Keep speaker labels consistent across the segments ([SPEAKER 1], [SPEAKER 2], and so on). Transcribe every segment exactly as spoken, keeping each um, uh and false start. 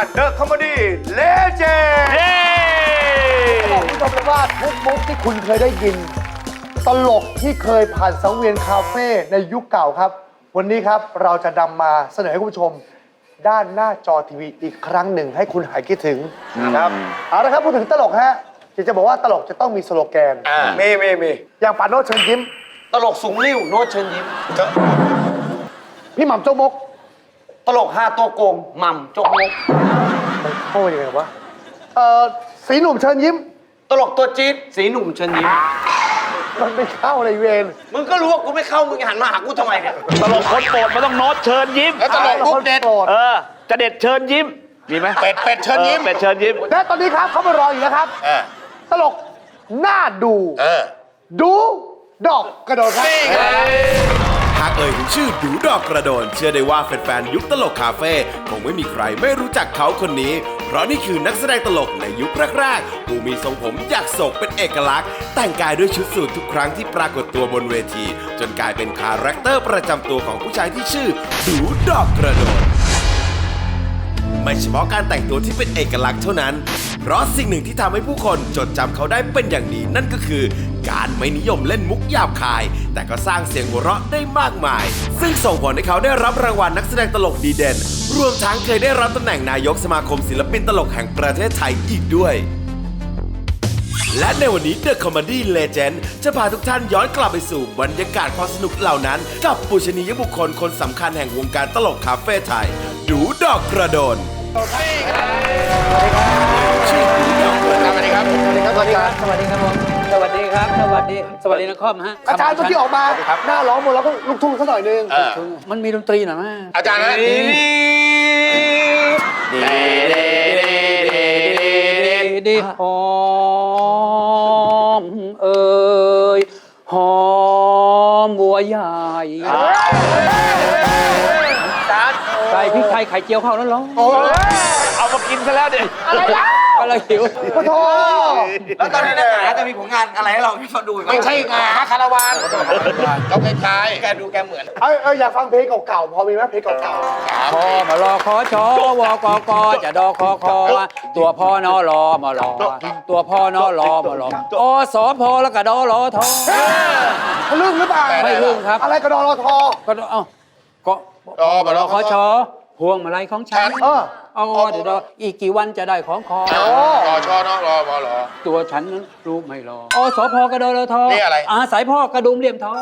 [SPEAKER 1] เดอะคอมเมดี้เลเจนด์บอกคุณผู้ชมเลยว่าทุกมุกที่คุณเคยได้ยินตลกที่เคยผ่านสังเวียนคาเฟ่ในยุคเก่าครับวันนี้ครับเราจะนำมาเสนอให้คุณผู้ชมด้านหน้าจอทีวีอีกครั้งหนึ่งให้คุณหายคิดถึงนะครับเอาละครับพูดถึงตลกฮะจะจะบอกว่าตลกจะต้องมีสโลแกนมีมีมีอย่างปาโนตเชิญยิ้ม
[SPEAKER 2] ตลกสูงริ่วโน้ตเชิญยิ้ม
[SPEAKER 1] พี่หม่ำโจ๊กมก
[SPEAKER 2] ตลกห้าตัวโกงหม่ำโจกมก
[SPEAKER 1] มันเข้ายังไงวะเอ่อสีหนุ่มเชิญยิ้ม
[SPEAKER 2] ตลกตัวจี๊ดสีหนุ่มเชิญยิ้ม
[SPEAKER 1] มันไม่เข้าในเวร
[SPEAKER 2] มึงก็รู้ว่ากูไม่เข้ามึงหันมาหากูทำไมเนี่ย
[SPEAKER 3] ตลกคนโปรดมันต้องโน้ตเชิญยิ้ม
[SPEAKER 1] แล้วตลกมุกเด็ด
[SPEAKER 3] เออจะเด็ดเชิญยิ้มมีไหม
[SPEAKER 1] เป็ดเป็ดเชิญยิ้ม
[SPEAKER 3] เป็ดเชิญยิ้ม
[SPEAKER 1] และตอนนี้ครับเขามารออยู่แล้วครับตลกหน้าดูดูดอกกระโดดครับ
[SPEAKER 4] หากเอ่ยถึงชื่อดูดอกกระโดนเชื่อได้ว่าแฟนๆยุคตลกคาเฟ่คงไม่มีใครไม่รู้จักเขาคนนี้เพราะนี่คือนักแสดงตลกในยุคแรกๆผู้มีทรงผมอยากโศกเป็นเอกลักษณ์แต่งกายด้วยชุดสูททุกครั้งที่ปรากฏตัวบนเวทีจนกลายเป็นคาแรคเตอร์ประจำตัวของผู้ชายที่ชื่อดูดอกกระโดนไม่เฉพาะการแต่งตัวที่เป็นเอกลักษณ์เท่านั้นเพราะสิ่งหนึ่งที่ทำให้ผู้คนจดจำเขาได้เป็นอย่างดีนั่นก็คือการไม่นิยมเล่นมุกหยาบคายแต่ก็สร้างเสียงหัวเราะได้มากมายซึ่งส่งผลให้เขาได้รับรางวัลนักแสดงตลกดีเด่นรวมทั้งเคยได้รับตำแหน่งนายกสมาคมศิลปินตลกแห่งประเทศไทยอีกด้วยและในวันนี้ The Comedy Legend จะพาทุกท่านย้อนกลับไปสู่บรรยากาศความสนุกเหล่านั้นกับปูชนียบุคคลคนสำคัญแห่งวงการตลกคาเฟ่ไทยดูดอกกระโดน
[SPEAKER 1] สวัสดีครับ สวัสดีครับ สวัสดีครับ
[SPEAKER 5] สวัสดีครับผมสวัสดีครับ สวัสดี สวัสดีนักคอมฮะ
[SPEAKER 1] อาจารย์เมื่อกี้ออกมาหน้าร้องหมดแล้วก็ลูกทุ่งสักหน่อยนึง
[SPEAKER 5] มันมีดนตรีหน่อยมั้ย
[SPEAKER 1] อาจารย์นะ
[SPEAKER 5] ดีดีหอมเอ่ยหอมบัวใหญ่ไก่พริกไทยไข่เจียวเข้าแล้วเหรอ
[SPEAKER 3] เอามากินซะแล้วเด็ก
[SPEAKER 5] อะไรล่ะอะไรหิว
[SPEAKER 1] โอ้โห
[SPEAKER 2] แล้วตอนนี้นักหนาจะมีผลงานอะไรให้เราที่เขาดู
[SPEAKER 1] ไม่ใช่งาคาราวาน
[SPEAKER 2] เขาคล้ายๆแกดูแกเหมือน
[SPEAKER 1] เออเอออยากฟังเพลงเก่าๆพอมีไหมเพลงเก่า
[SPEAKER 5] ๆพอมารอขอชอวกกจะดอคอคอตัวพ่อนอรอมารอตัวพ่อนอรอมารออสอพอแล้วก็ดอรอทอ
[SPEAKER 1] เขาลื่นหรือเปล่า
[SPEAKER 5] ไม่ลื่นครับ
[SPEAKER 1] อะไรก็ดอรอทอ
[SPEAKER 5] ก็เอ้าก็รอมารอขอชอพวงมาลัยของฉันเออเอาเดี๋ยวอีกกี่วันจะได้ของคอ
[SPEAKER 2] รอชอเนาะรอมารอ
[SPEAKER 5] ตัวฉันนั้นรู้ไม่รออสพกระโดดทอ
[SPEAKER 2] นี่อะไร
[SPEAKER 5] อาสายพ่อกระดุมเหลี่ยมทอง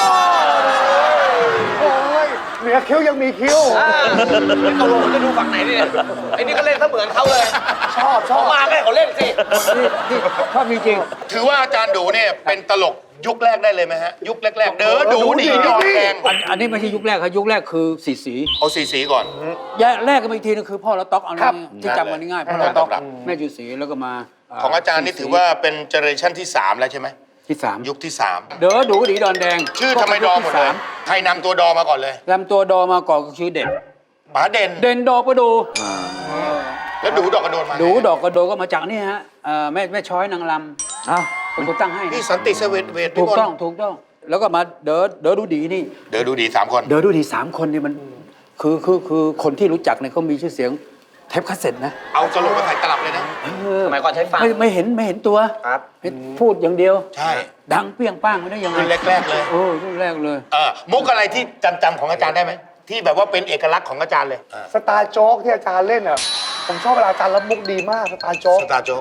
[SPEAKER 1] โอ้ยเหนือคิ้วยังมีคิ้ว
[SPEAKER 2] ตกลงจะดูฝั่งไหนเนี่ยไอ้นี่ก็เล่นเสมือนเขาเลย
[SPEAKER 1] ชอบชอบ
[SPEAKER 2] มาให้เขาเล่นสิ
[SPEAKER 5] นี่ชอบจริง
[SPEAKER 2] ๆถือว่าอาจารย์ดูเนี่ยเป็นตลกยุคแรกได้เลยไหมฮะยุคแรกๆเด้อดูดีดอกแดง
[SPEAKER 5] อันนี้ไม่ใช่ยุคแรกครับยุคแรกคือสีสี
[SPEAKER 2] เอาสีสีก่อน
[SPEAKER 5] แยกแรกกันอีกทีนึงคือพ่อละต๊อกเอาที่จำกันง่ายๆพ่อละต๊อกแม่จุสีแล้วก็มา
[SPEAKER 2] ของอาจารย์นี่ถือว่าเป็นเจเนอเรชั่นที่สามแล้วใช่ไหม
[SPEAKER 5] ที่สาม
[SPEAKER 2] ยุคที่สาม
[SPEAKER 5] เด้อดูดีดอนแดง
[SPEAKER 2] ชื่อทำไมดอหมดเลยใครนำตัวดอมาก่อนเลย
[SPEAKER 5] นำตัวดอมาก่อนก็ชื่อเด่น
[SPEAKER 2] ป๋าเด่น
[SPEAKER 5] เด่นดอกกระดู
[SPEAKER 2] แล้วดูดอกกระโดนมา
[SPEAKER 5] ดูดอกกระโดก็มาจากนี่ฮะแม่แม่ช้อยนางลำอ้าวเป็นคนตั้งให้
[SPEAKER 2] นี่สันติเสวตเวท
[SPEAKER 5] ถูกต้องถูกต้องแล้วก็มาเด๋อเด๋อดูดีนี่
[SPEAKER 2] เด๋อดูดีสามคน
[SPEAKER 5] เด๋อดูดีสามคนนี่มันคือคือคือคนที่รู้จักเนี่ยเขามีชื่อเสียงเทปคาสเซ็ตนะ
[SPEAKER 2] เอาตลกมาถ่ายตลับเลยนะสมัยก่อนใช้ฟัง
[SPEAKER 5] ไม่ไม่เห็นไม่เห็นตัว
[SPEAKER 2] ครับ
[SPEAKER 5] พูดอย่างเดียว
[SPEAKER 2] ใช่
[SPEAKER 5] ดังเปรี้ยงป้างไม่ได้ยังไง
[SPEAKER 2] รุ่นแรกๆเลย
[SPEAKER 5] โอ้รุ่นแรกเลย
[SPEAKER 2] เออมุกอะไรที่จำจำของอาจารย์ได้ไหมที่แบบว่าเป็นเอกลักษณ์ของอาจารย์เลย
[SPEAKER 1] สตาร์โจ๊กที่อาจารย์เล่นอ่ะผมชอบเวลาอาจารย์รับมุกดีมากสตาร์โจ๊ก
[SPEAKER 2] สตาร์โจ๊ก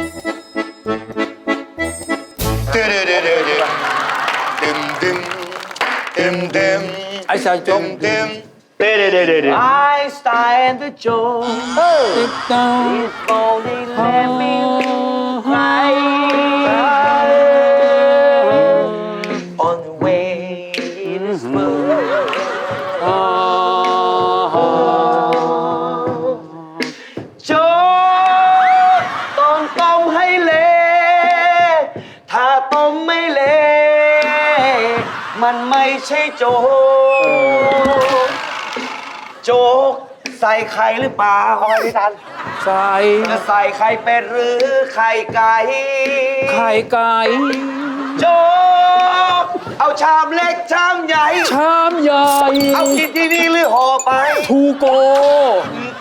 [SPEAKER 2] เดือดเดือดเดือดดึมดึมดึมดึม
[SPEAKER 5] ไอ้สายโจ๊ก
[SPEAKER 2] ดึม
[SPEAKER 3] เด้เด้เด้เด้
[SPEAKER 6] Einstein the joke If only let me cry On the way this world โจ๊กต้องต้มให้เละถ้าต้มไม่เละมันไม่ใช่โจ๊กโจ๊กใส่ไข่หรือเปล่า
[SPEAKER 1] เอาไงพี่ทัน
[SPEAKER 5] ใส่
[SPEAKER 6] จะใส่ไข่เป็ดหรือไข่ไก่
[SPEAKER 5] ไข่ไก่
[SPEAKER 6] โจ๊กเอาชามเล็กชามใหญ่
[SPEAKER 5] ชามใหญ่
[SPEAKER 6] เอากินที่นี่หรือห่อไป
[SPEAKER 5] ทูโก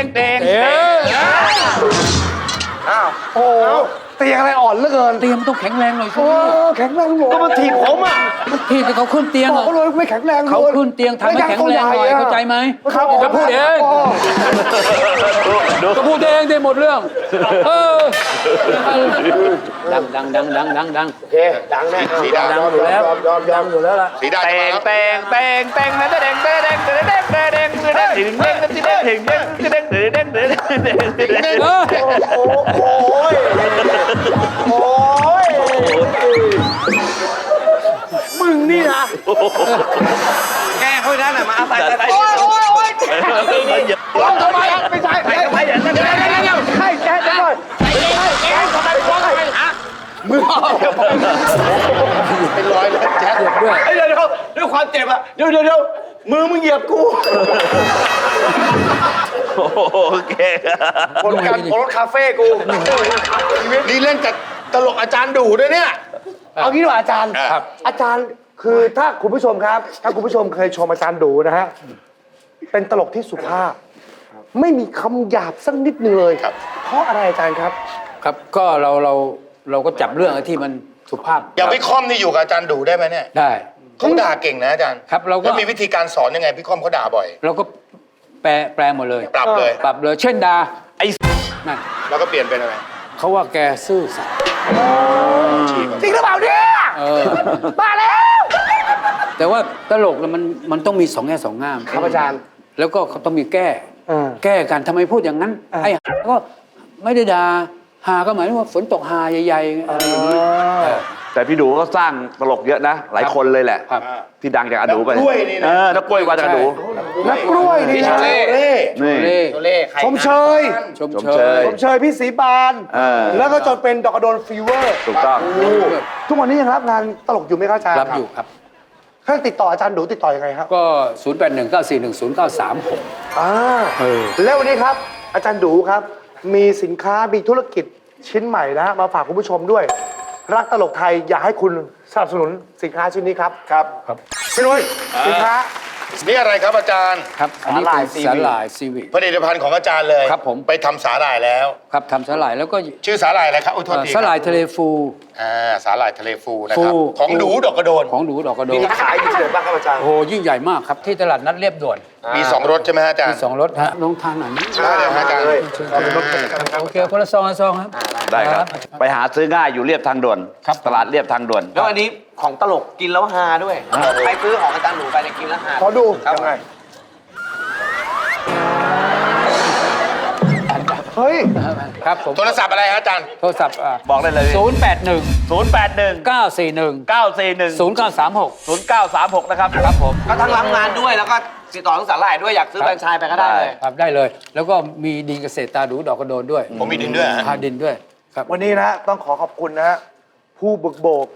[SPEAKER 3] งเต็ง
[SPEAKER 5] เอ๊ะ
[SPEAKER 1] โอ้โหเตียงอะไรอ่อนเหลือเกิน
[SPEAKER 5] เตียงมันต้องแข็งแรงหน่อยสิ
[SPEAKER 1] โอ้แข็งแรงหมด
[SPEAKER 6] ก็มาถีบผมอ่ะ
[SPEAKER 5] ที่ที่เขาขึ้นเตียง
[SPEAKER 1] บอก
[SPEAKER 5] อะ
[SPEAKER 1] เขาเลยไม่แข็งแรงลย
[SPEAKER 5] เขาขึ้นเตียงทำให้แข็งแรงหน่อยเข้าใจไหม
[SPEAKER 1] ครับ
[SPEAKER 5] จะพูดเอง ก็พูดเองได้หมดเรื่อง เออ ดังดังดังดังดังดัง
[SPEAKER 1] โอเคดังแน่
[SPEAKER 2] สีดา
[SPEAKER 5] ดังอยู่แล้ว
[SPEAKER 1] ยอมยอมยอมอยู่แล้วล่ะ
[SPEAKER 2] สีดา
[SPEAKER 3] เต็
[SPEAKER 2] จะมาง แล้ว
[SPEAKER 3] เต็งเต็งเต็งเต็งเต็งเต็งเต็งเต็งเต็งเต็งเต็งถึงเต็งถึงเต็งถึงเต็งถึงเต็งถึงเต็งถึงเต็งถึงเต็ง
[SPEAKER 5] เออ
[SPEAKER 1] โอ้โหโอ้ยมึงนี่นะ
[SPEAKER 6] แกเขาได้หน่อยมาเอาใส่ใส่ใส่
[SPEAKER 1] โอ้ยโอ้ยโอ้ยร้องทำไมอ่ะไม่ใช่ไม่ใช่เดี๋ยวเดี๋ยวเดี๋ยวเดี๋ยวใช่แจ๊ดก่อนแจ๊ดทำไมร้องทำไมฮะมือเป็นร้อยเลยแจ๊ด
[SPEAKER 5] ด้วย
[SPEAKER 6] เดี๋ยวเดี๋ยวด้วยความเจ็บอ่ะเดี๋ยวเดี๋ยวเดี๋ยวมือมึงเหยียบกู
[SPEAKER 3] โอเค
[SPEAKER 1] ผลการโพสคาเฟ่กู
[SPEAKER 2] นี่เล่นกับตลกอาจารย์ดูด้วยเนี่ย
[SPEAKER 1] เอางี้ดีกว่าอาจารย์
[SPEAKER 2] ครับ
[SPEAKER 1] อาจารย์คือถ้าคุณผู้ชมครับ ถ้าคุณผู้ชมเคยชมอาจารย์ดูนะฮะเป็นตลกที่สุภาพ ไม่มีคำหยาบสักนิดนึงเลย
[SPEAKER 2] ครับ
[SPEAKER 1] เพราะอะไรอาจารย์ครับ
[SPEAKER 5] ครับก็เราเราเราก็จับเรื่องที่มันสุภาพ
[SPEAKER 2] อย่างพี่ค่อมนี่อยู่กับอาจารย์ดูได้ไหมเนี่ย
[SPEAKER 5] ได้
[SPEAKER 2] เขาด่าเก่งนะอาจารย์
[SPEAKER 5] ครับเราก็
[SPEAKER 2] แล้วมีวิธีการสอนยังไงพี่ค่อมเขาด่าบ่อย
[SPEAKER 5] เราก็แปลแปลหมดเลย
[SPEAKER 2] ปรับเลย
[SPEAKER 5] ปรับเลยเช่นดาไอ้นั่น
[SPEAKER 2] แล้วก็เปลี่ยนเป็นอะไร
[SPEAKER 5] เขาว่าแกซื่อสัตย์
[SPEAKER 1] จริงหรือเปล่าเนี่ย
[SPEAKER 5] เออ
[SPEAKER 1] มาแล้ว
[SPEAKER 5] แต่ว่าตลกเนี่ยมันมันต้องมีสองแง่สองงาม
[SPEAKER 1] ครับอาจารย์
[SPEAKER 5] แล้วก็เขาต้องมีแก้
[SPEAKER 1] เออ
[SPEAKER 5] แก้กันทำไมพูดอย่างนั้น
[SPEAKER 1] อ่า
[SPEAKER 5] ไอ้หาก็ไม่ได้ด่าหาก็หมายถึงว่าฝนตกหาใหญ่ๆอะไรอย่างนี้เออ
[SPEAKER 3] แต่พี่ดูก็สร้างตลกเยอะนะ หลายคนเลยแหละ
[SPEAKER 5] ครับ
[SPEAKER 3] ที่ดังจากอาดูไป
[SPEAKER 2] นักกล้วยนี่นะ
[SPEAKER 3] เออนักกล้วยมาจากอาดู
[SPEAKER 1] นักกล้วยนี่
[SPEAKER 2] พี่
[SPEAKER 1] นะ
[SPEAKER 2] โชเล่
[SPEAKER 3] นี่
[SPEAKER 5] เล่
[SPEAKER 1] ชมเชย
[SPEAKER 5] ชม
[SPEAKER 3] ชม
[SPEAKER 5] เช
[SPEAKER 3] เช
[SPEAKER 5] ย
[SPEAKER 3] ย
[SPEAKER 1] ชมเชยพี่ศรีปาน
[SPEAKER 3] เออ
[SPEAKER 1] แล้วก็จนเป็นดอกกระโดนฟีเวอร์
[SPEAKER 3] ถูกต้อง
[SPEAKER 1] ทุกวันนี้ยังรับงานตลกอยู่ไหมครับอาจารย์
[SPEAKER 5] รับอยู่ครับ
[SPEAKER 1] ถ้าติดต่ออาจารย์ดูติดต่อยังไงครับ
[SPEAKER 5] ก็ ศูนย์ แปด หนึ่ง เก้า สี่ หนึ่ง ศูนย์ เก้า สาม หก
[SPEAKER 1] อ่า
[SPEAKER 5] เออ
[SPEAKER 1] แล้ววันนี้ครับ อาจารย์ดูครับ มีสินค้ามีธุรกิจชิ้นใหม่นะมาฝากคุณผู้ชมด้วย รักตลกไทยอยากให้คุณสนับสนุนสินค้าชิ้นนี้ครับครับ
[SPEAKER 5] ครับ
[SPEAKER 1] พี่นุ้ยสินค้า
[SPEAKER 2] นี่อะไรครับอาจารย์
[SPEAKER 5] ครับ อันนี้เป็นสาหร่ายซีวิต
[SPEAKER 2] ผลิตภัณฑ์ของอาจารย์เลย
[SPEAKER 5] ครับผม
[SPEAKER 2] ไปทำสาหร่ายแล้ว
[SPEAKER 5] ครับทำสาหร่ายแล้วก็
[SPEAKER 2] ชื่อสาหร่ายอะไรครับอุ้ยโทษ
[SPEAKER 5] เอ่อ
[SPEAKER 2] ที
[SPEAKER 5] สาหร่ายทะเลฟู
[SPEAKER 2] อ่าสาหร่ายทะเลฟูนะครับ
[SPEAKER 5] ฟู
[SPEAKER 2] ของดูดอกกระโดน
[SPEAKER 5] ของหนูดอกกระโด
[SPEAKER 1] มี
[SPEAKER 5] น
[SPEAKER 1] ขายอยู่ที่ไหนบ้างครับอาจารย์
[SPEAKER 5] โอ้โหยิ่งใหญ่มากครับที่ตลาดนัดเรียบด่วน
[SPEAKER 2] มีสองรสใช่ไหมฮะอาจาร
[SPEAKER 5] มี
[SPEAKER 2] ย์
[SPEAKER 5] สองรสฮะลงทานหน่อยนะ
[SPEAKER 2] ได้เลยฮะอาจารย์
[SPEAKER 5] โอเคคนละซองละซองครับ
[SPEAKER 3] ได้ครับ ไปหาซื้อง่ายอยู่เรียบทางด่วน
[SPEAKER 5] ครับ
[SPEAKER 3] ตลาดเรียบทางด่วน
[SPEAKER 6] แล้วอันนี้ของตลกกินแล้วฮาด้วย ใครซื้อของอาจารย์หนูไปเนี่ยกินแล้วฮา
[SPEAKER 1] ขอดู
[SPEAKER 6] ครับ
[SPEAKER 1] ยังไงเฮ้ย
[SPEAKER 5] ครับผม
[SPEAKER 2] โทรศัพท์อะไรฮะอาจารย์
[SPEAKER 5] โทรศัพท์
[SPEAKER 3] บอกได้เลย
[SPEAKER 5] ศูนย์แปดหนึ่ง
[SPEAKER 3] ศูนย์แปดหนึ่ง
[SPEAKER 5] เก้าสี่หนึ่ง
[SPEAKER 3] เก้าสี่หนึ่ง
[SPEAKER 5] ศูนย์เก้าสามหก
[SPEAKER 3] ศูนย์เก้าสามหกนะครับครับผม
[SPEAKER 6] ก็ทั้งรับงานด้วยแล้วก็ติดต่อทั้งสาหร่ายด้วยอยากซื้อแฟรนไชส์ไปก็ได้เลย
[SPEAKER 5] ครับได้เลย แล้วก็มีดินเกษตรตาดูดอกกระโดนด้วย
[SPEAKER 2] ผมมีดินด้วยฮะ
[SPEAKER 5] พาดินด้วยครับ
[SPEAKER 1] วันนี้นะต้องขอขอบคุณนะฮะผู้บุกโบก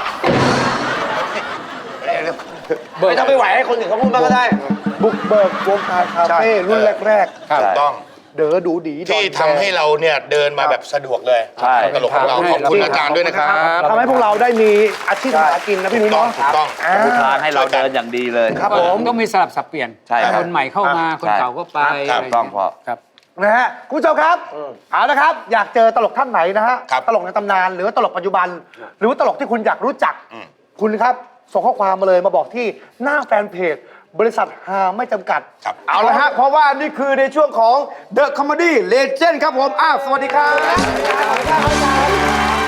[SPEAKER 6] ไม่ต้องไปไหวให้คนอื่นเขาพูดบ้างก็ได้
[SPEAKER 1] บุกเบิกวงการคาเฟ่รุ่นแรก
[SPEAKER 5] ครับ
[SPEAKER 2] ถูกต้อง
[SPEAKER 1] ๆ เด๋อดูดีดอน
[SPEAKER 2] ที่ทำให้เราเนี่ยเดินมาแบบสะดวกเลย
[SPEAKER 3] ใช่
[SPEAKER 2] ตลกของเราขอบคุณอาจารย์ด้วยนะครับ
[SPEAKER 1] ทำให้พวกเราได้มีอาชีพหากินนะพี่นุ้ย
[SPEAKER 2] ต้อง
[SPEAKER 1] เนาะ
[SPEAKER 2] ถูกต้อง
[SPEAKER 1] อ่า
[SPEAKER 3] ทางให้เราเดินอย่างดีเลย
[SPEAKER 1] ครับผม
[SPEAKER 5] ต้องมีสลับสับเปลี่ยน
[SPEAKER 3] ใช่ครับ
[SPEAKER 5] คนใหม่เข้ามาคนเก่าก็ไป
[SPEAKER 2] ครับ
[SPEAKER 5] ะไร
[SPEAKER 3] ต้องพอ
[SPEAKER 5] ครับ
[SPEAKER 1] นะฮะคุณผู้ชมครับเอาละครับ อยากเจอตลกท่านไหนนะฮะ
[SPEAKER 2] ครับ
[SPEAKER 1] ตลกในตำนานหรือว่าตลกปัจจุบัน หรือว่าตลกที่คุณอยากรู้จัก คุณครับส่งข้อความมาเลยมาบอกที่หน้าแฟนเพจ บริษัทฮาไม่จำกัด
[SPEAKER 2] ครับ
[SPEAKER 1] เอาละฮะเพราะว่านี่คือในช่วงของ The Comedy Legend ครับผมอ้าวสวัสดีครับ